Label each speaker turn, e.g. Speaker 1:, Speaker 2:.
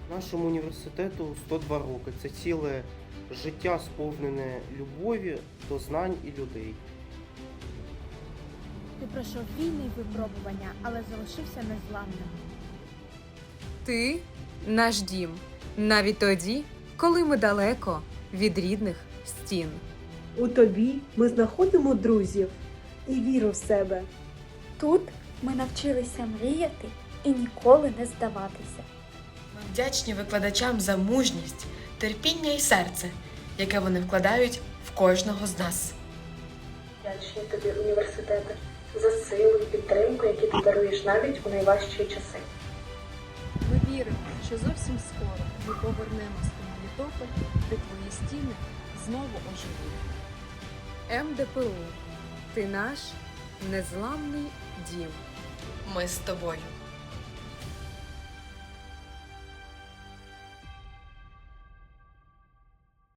Speaker 1: Нашому університету 102 роки. Це ціле життя, сповнене любові до знань і людей.
Speaker 2: Ти пройшов війни й випробування, але залишився незламним.
Speaker 3: Ти наш дім, навіть тоді, коли ми далеко від рідних стін.
Speaker 4: У тобі ми знаходимо друзів і віру в себе.
Speaker 5: Тут ми навчилися мріяти і ніколи не здаватися.
Speaker 6: Ми вдячні викладачам за мужність, терпіння і серце, яке вони вкладають в кожного з нас.
Speaker 7: Вдячні тобі, університете, за силу і підтримку, які ти даруєш навіть у найважчі часи.
Speaker 8: Ми віримо, що зовсім скоро ми повернемось у Мелітополь, де твої стіни знову оживуть.
Speaker 3: МДПУ. Ти наш незламний дім.
Speaker 6: Ми з тобою.